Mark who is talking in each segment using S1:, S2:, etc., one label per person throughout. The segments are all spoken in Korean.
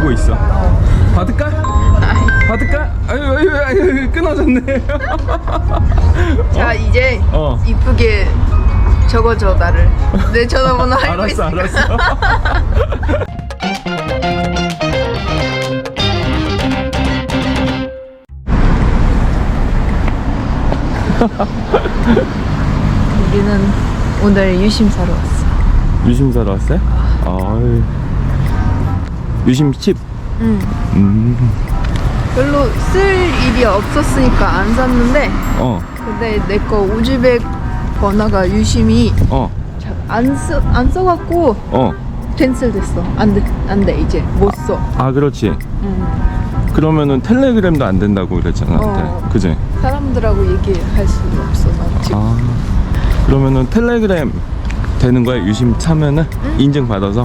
S1: 기다리고 있어. 받을까? 받을까? 아유 끊어졌네.
S2: 자 이제 이쁘게 적어줘 나를. 내 전화번호 알고 있어.
S1: 알았어.
S2: 우리는 오늘 유심 사러 왔어.
S1: 유심 사러 왔어요? 아유. 유심 칩.
S2: 별로 쓸 일이 없었으니까 안 샀는데 근데 내 거 우즈벡 번호가 유심이 안 써갖고 캔슬 됐어. 안 돼 이제 못 써.
S1: 아 그렇지. 그러면은 텔레그램도 안 된다고 그랬잖아 그때. 그지?
S2: 사람들하고 얘기할 수가 없어 나 지금.
S1: 아 그러면은 텔레그램 되는 거야? 유심 차면은? 인증 받아서?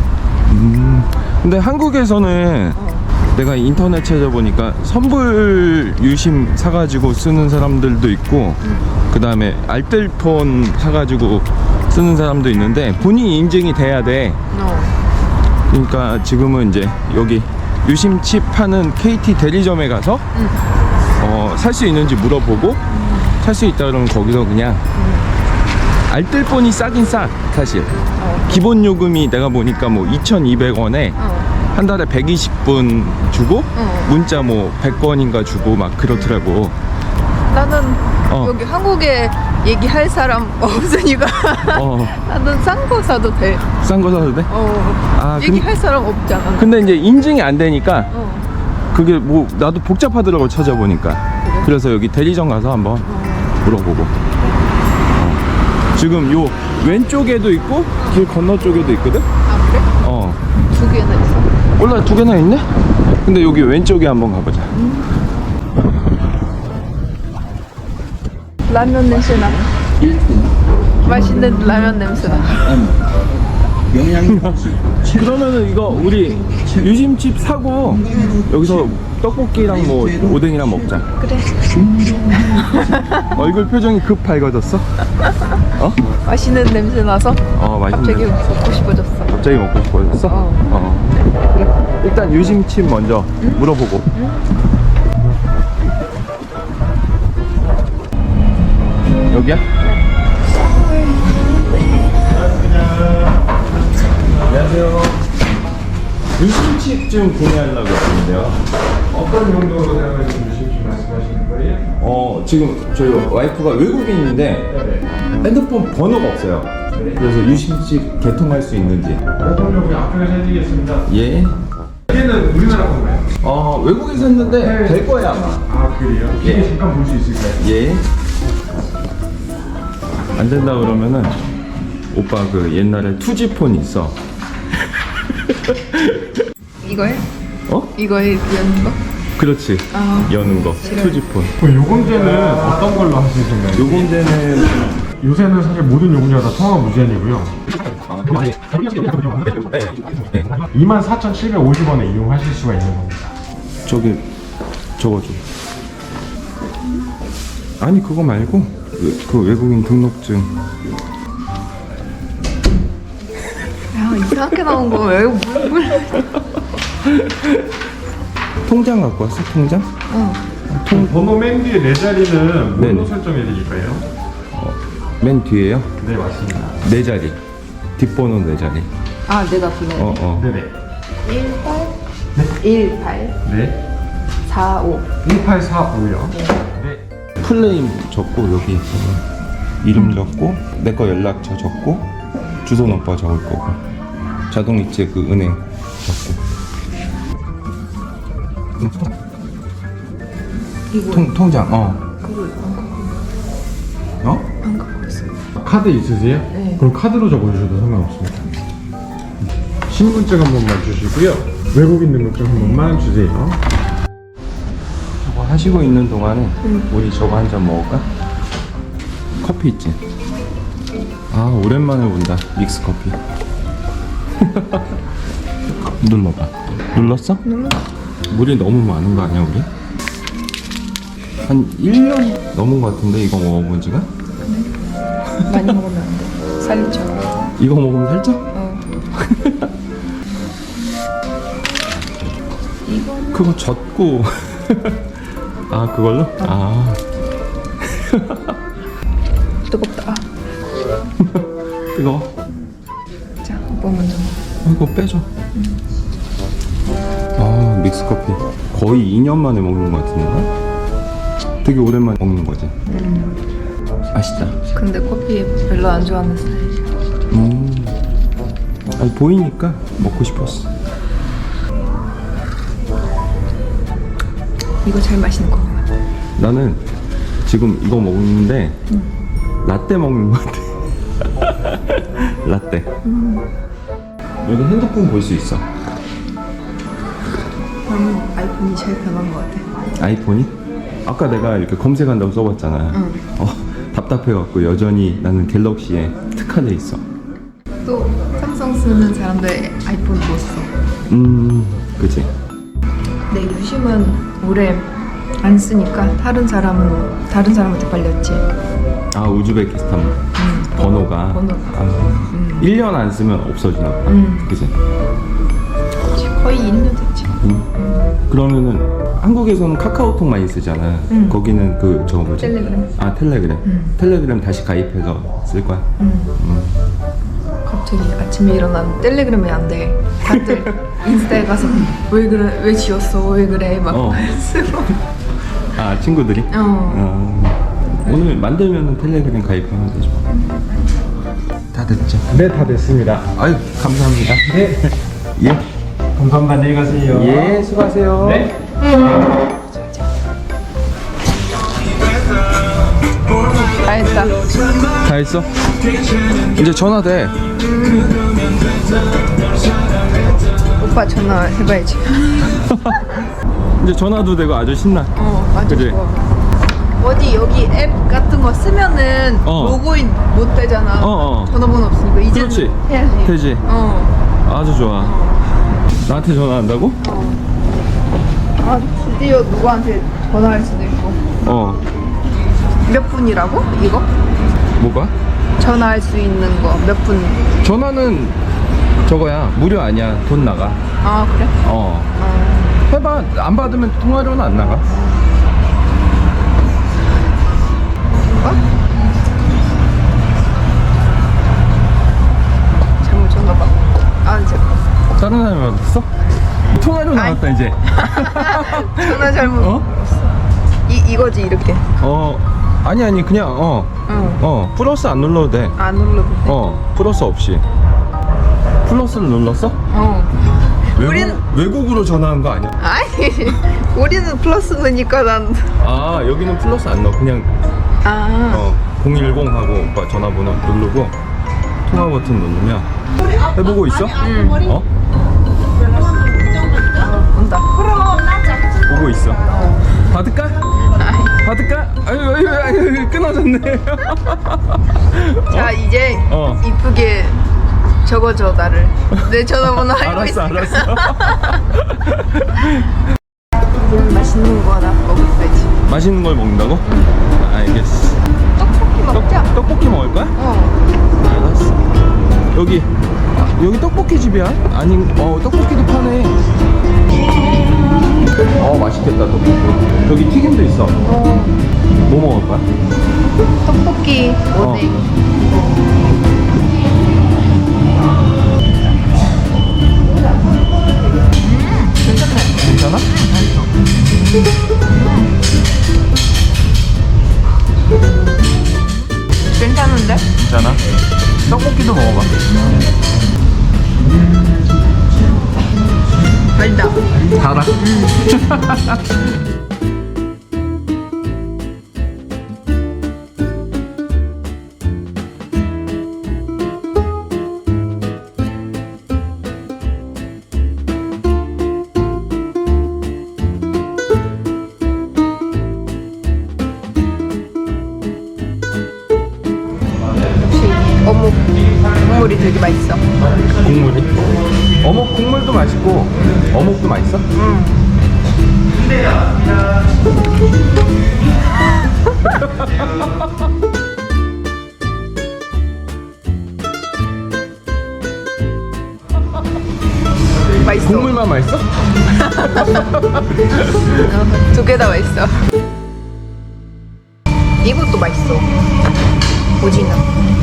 S1: 근데 한국에서는 내가 인터넷 찾아보니까 선불 유심 사가지고 쓰는 사람들도 있고 그 다음에 알뜰폰 사가지고 쓰는 사람도 있는데 본인이 인증이 돼야 돼. 그러니까 지금은 이제 여기 유심칩 파는 KT 대리점에 가서 살 수 있는지 물어보고 살 수 있다 그러면 거기서 그냥 알뜰폰이 싸긴 싸 사실. 기본 요금이 내가 보니까 뭐 2,200원에 한 달에 120분 주고 문자 뭐 100번인가 주고 막 그렇더라고.
S2: 나는 여기 한국에 얘기할 사람 없으니까 나는 싼 거 사도 돼.
S1: 싼 거 사도 돼?
S2: 얘기할 사람 없잖아.
S1: 근데 이제 인증이 안 되니까 그게 뭐 나도 복잡하더라고 찾아보니까.
S2: 그래?
S1: 그래서 여기 대리점 가서 한번 물어보고. 지금 요 왼쪽에도 있고 길 건너 쪽에도 있거든?
S2: 아 그래? 두 개나 있어.
S1: 몰라 두 개나 있네? 근데 여기 왼쪽에 한번 가보자.
S2: 라면 냄새나. 맛있는 라면 냄새나.
S1: 그러면은 이거 우리 유심칩 사고 여기서 떡볶이랑 뭐 오뎅이랑 먹자.
S2: 그래.
S1: 얼굴 표정이 급 밝아졌어?
S2: 맛있는 냄새 나서 갑자기
S1: 맛있는
S2: 먹고 싶어졌어.
S1: 갑자기 먹고 싶어졌어? 그래. 일단 유심칩 먼저 물어보고. 여기야? 안녕하세요. 유심칩 좀 구매하려고 했는데요.
S3: 어떤 용도로 사용하시는 유심칩 말씀하시는 거예요?
S1: 지금 저희 와이프가 외국인인데 핸드폰 번호가 없어요. 그래서 유심칩 개통할 수 있는지.
S3: 대통령 앞쪽에서 해드리겠습니다.
S1: 예.
S3: 이게는 우리나라 건가요?
S1: 외국에서 했는데 될 거야 아마.
S3: 아 그래요? 이게 잠깐 볼 수 있을까요?
S1: 예. 안 된다 그러면은 오빠 그 옛날에 투지폰 있어.
S2: 이거에? 이거에 여는 거?
S1: 그렇지. 여는 거. 투지폰.
S3: 그 요금제는 어떤 걸로 하실 생각이에요?
S1: 요금제는
S3: 요새는 사실 모든 요금제가 다 통화 무제한이고요. 24,750원에 이용하실 수가 있는 겁니다.
S1: 저거 좀. 아니 그거 말고 그 외국인 등록증.
S2: 야 이상하게 나온 거 왜?
S1: 통장 갖고 왔어? 통장?
S3: 번호 맨 뒤에 네 자리는
S1: 네네.
S3: 뭘로 설정해 드릴까요?
S1: 맨 뒤에요?
S3: 네 맞습니다.
S1: 네 자리. 뒷번호 네 자리.
S2: 아 내가 불러야 돼.
S3: 네네.
S2: 18
S3: 네.
S2: 45
S3: 1845요. 네.
S1: 플레임 적고 여기 이름 적고 내 거 연락처 적고 주소는 오빠 적을 거고 자동이체 그 은행 적고
S2: 이거
S1: 통장
S2: 그걸 안 갖고 있어.
S3: 카드 있으세요?
S2: 네.
S3: 그럼 카드로 적어주셔도 상관없습니다. 신분증 한 번만 주시고요. 외국인 등록증 한 번만 주세요.
S1: 저거 하시고 있는 동안에 우리 저거 한 잔 먹을까? 커피 있지? 아 오랜만에 본다 믹스 커피. 눌러봐. 눌렀어?
S2: 눌렀어.
S1: 물이 너무 많은 거 아니야 우리? 한 1년 넘은 거 같은데 이거 먹어본 지가?
S2: 많이 먹으면 안 돼. 살이 쪄.
S1: 이거 먹으면 살쪄?
S2: 이거는
S1: 그거 젖고 아 그걸로? 아
S2: 뜨겁다.
S1: 뜨거워.
S2: 자, 오빠 먼저 먹어.
S1: 이거 빼줘. 아 믹스커피 거의 2년 만에 먹는 것 같은데? 되게 오랜만에 먹는 거지. 맛있다.
S2: 근데 커피 별로 안 좋아하는 스타일이야.
S1: 아니 보이니까 먹고 싶었어.
S2: 이거 제일 맛있는 커피 같아.
S1: 나는 지금 이거 먹는데 라떼 먹는 것 같아. 라떼. 여기 핸드폰 볼 수 있어.
S2: 나는 아이폰이 제일 편한 것 같아.
S1: 아이폰이? 아까 내가 이렇게 검색한다고 써봤잖아. 답답해갖고 여전히 나는 갤럭시에 특화돼 있어.
S2: 또 삼성 쓰는 사람들 아이폰 못 써.
S1: 그치.
S2: 내 유심은 오래 안 쓰니까 다른 사람한테 팔렸지.
S1: 아 우즈베키스탄 번호가. 아, 1년 안 쓰면 없어지나 보다. 그치?
S2: 거의 1년 됐지.
S1: 그러면은 한국에서는 카카오톡 많이 쓰잖아. 거기는 그 저거 뭐지?
S2: 텔레그램.
S1: 아 텔레그램. 텔레그램 다시 가입해서 쓸 거야.
S2: 갑자기 아침에 일어나는 텔레그램이 안 돼. 다들 인스타에 가서 왜 그래, 왜 지웠어, 왜 그래 막 쓰고.
S1: 아 친구들이? 오늘 만들면은 텔레그램 가입하면 되죠. 다 됐죠?
S3: 네, 다 됐습니다.
S1: 아유 감사합니다.
S3: 네.
S1: 예.
S3: 감사합니다. 안녕히 가세요.
S1: 예 수고하세요.
S3: 네.
S2: 다 했다.
S1: 다 했어? 이제 전화 돼.
S2: 오빠 전화 해봐야지.
S1: 이제 전화도 되고 아주 신나.
S2: 맞아.
S1: 그지?
S2: 어디 여기 앱 같은 거 쓰면은 로그인 못 되잖아. 전화번호 없으니까 이제는
S1: 그렇지.
S2: 해야지.
S1: 되지. 아주 좋아. 나한테 전화한다고?
S2: 아 드디어 누구한테 전화할 수도 있고. 몇 분이라고? 이거?
S1: 뭐가?
S2: 전화할 수 있는 거 몇 분?
S1: 전화는 저거야 무료 아니야. 돈 나가.
S2: 아 그래?
S1: 해봐. 안 받으면 통화료는 안 나가.
S2: 이거? 잘못 줬나봐. 아 이제
S1: 다른 사람이 받았어? 통화료 나왔다 이제.
S2: 전화 잘못. 이거지 이렇게.
S1: 아니 그냥 플러스 안 눌러도 돼.
S2: 안 눌러도 돼.
S1: 플러스 없이. 플러스를 눌렀어? 외국으로 전화한 거 아니야?
S2: 아니 우리는 플러스 넣으니까 난.
S1: 아 여기는 플러스 안 넣어. 그냥 010 하고 오빠 전화번호 누르고 통화 버튼 누르면 해보고 있어?
S2: 온다.
S1: 보고 있어. 받을까? 받을까? 아유 끊어졌네.
S2: 자 이제 이쁘게 적어줘 나를. 내 전화번호 알고 있어.
S1: 알았어.
S2: 이제는 맛있는 거 하나 먹을 거지.
S1: 맛있는 걸 먹는다고? 알겠어.
S2: 떡볶이 먹자.
S1: 떡볶이 먹을 거야? 알았어. 여기 떡볶이 집이야? 아니 떡볶이도 파네. 맛있겠다 떡볶이. 여기 튀김도 있어. 뭐 먹을 거야?
S2: 떡볶이 오뎅.
S1: 괜찮아?
S2: 괜찮은데?
S1: 괜찮아? 떡볶이도 먹어봐.
S2: 달다.
S1: 달아?
S2: 어묵 국물이 되게 맛있어.
S1: 국물이? 어묵 국물도 맛있고 어묵도 맛있어?
S2: 맛있어.
S1: 국물만 맛있어?
S2: 두 개 다 맛있어. 이것도 맛있어. 오징어.